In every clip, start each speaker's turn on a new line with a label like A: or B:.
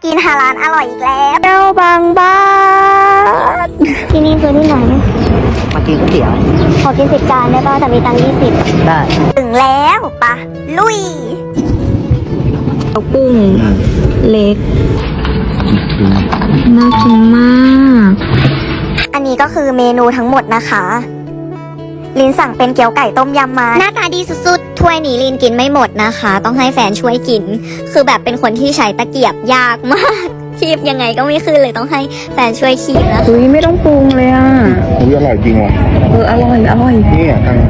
A: กินฮาลาลอร่อยอีกแล้ว
B: แก้วบางบ้าน
A: ที่นี่คือที่ไหน
C: มากินก๋วยเตี๋ยว
A: ขอกิน10 จานได้ป่ะแต่มีตังค์20
C: ได้
A: ถึงแล้วปะลุย
B: เอากุ้งเล็กน่ากินมาก
A: อันนี้ก็คือเมนูทั้งหมดนะคะ ลินสั่งเป็นเกี๊ยวไก่ต้มยำมาหน้าตาดีสุดๆถ้วยนี้ลินกินไม่หมดนะคะ ต้องให้แฟนช่วยกิน คือแบบเป็นคนที่ใช้ตะเกียบยากมากคีบยังไงก็ไม่ขึ้นเลยต้องให้แฟนช่วยคีบนะ
B: อุ้ยไม่ต้องปรุงเลยอ่ะ
D: อุ้ยอร่อยจริงว่ะ
B: อร่อยอร่อย
D: นี่อ่ะทาง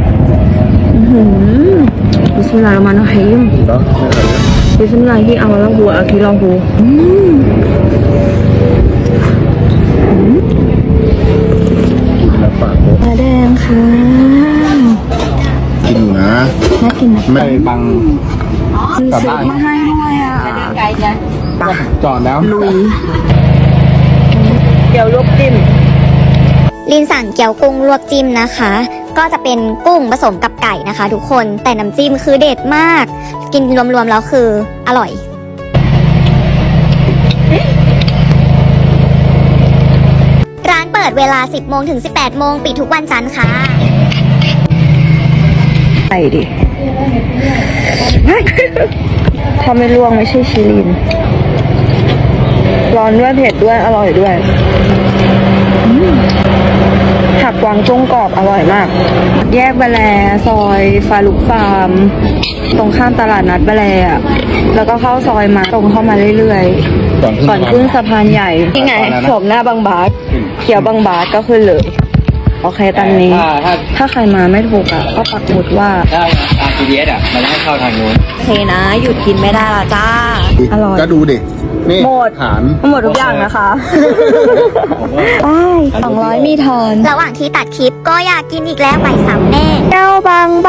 B: บิสมิลลาฮิรเราะห์มานิรเราะฮีม
D: เนาะไม่อร่อยเลย
B: บิสมิลลาฮิอัลลอฮุอะกิรอฮู
D: แล้วฝากโต๊ะ
B: ปลาแดงค่ะ
D: กินอยู่นะ
B: น่ากินนะ
D: ไม่บังกลับบ้าน
B: มาให้ด้วยอ่ะ
D: จอดแล้ว
B: ลุยเดี๋ยวลวกจิ้ม
A: ลินสั่งเกี๊ยวกุ้งลวกจิ้มนะคะ ก็จะเป็นกุ้งผสมกับไก่นะคะ ทุกคนแต่น้ำจิ้มคือเด็ดมาก กินรวมๆแล้วคืออร่อย ร้านเปิดเวลา 10 โมงถึง 18 โมงปิดทุกวันจันทร์ค่ะ
B: ไก่ดิ ถ้าไม่ลวกไม่ใช่ชิลิน ร้อนด้วยเผ็ดด้วยอร่อยด้วยผักกวางตุ้งกรอบอร่อยมาก แยกบะแลซอยฟาลุกฟาร์ม ตรงข้ามตลาดนัดบะแลอะแล้วก็เข้าซอยมาตรงเข้ามาเรื่อยๆ ก่อนขึ้นสะพานใหญ่นี่ไงโฉมหน้าบางบาสเขียวบางบาสก็ขึ้นเลย โอเคตอนนี้ ถ้าใครมาไม่ถูกอ่ะ ก็ปักหมุดว่า
C: ถ้าตาม GPS อ่ะ มันให้เข้าทางนู้น
B: โอเคนะ หยุดกินไม่ได้ละจ้า อร่อย
D: ก็ดูดิ นี่
B: หมด
D: ฐาน
B: หมดทุกอย่างนะคะไป200 มีทอน
A: ระหว่างที่ตัดคลิปก็อยากกินอีกแล้วไปซ้ำแน่
B: แก้วบาง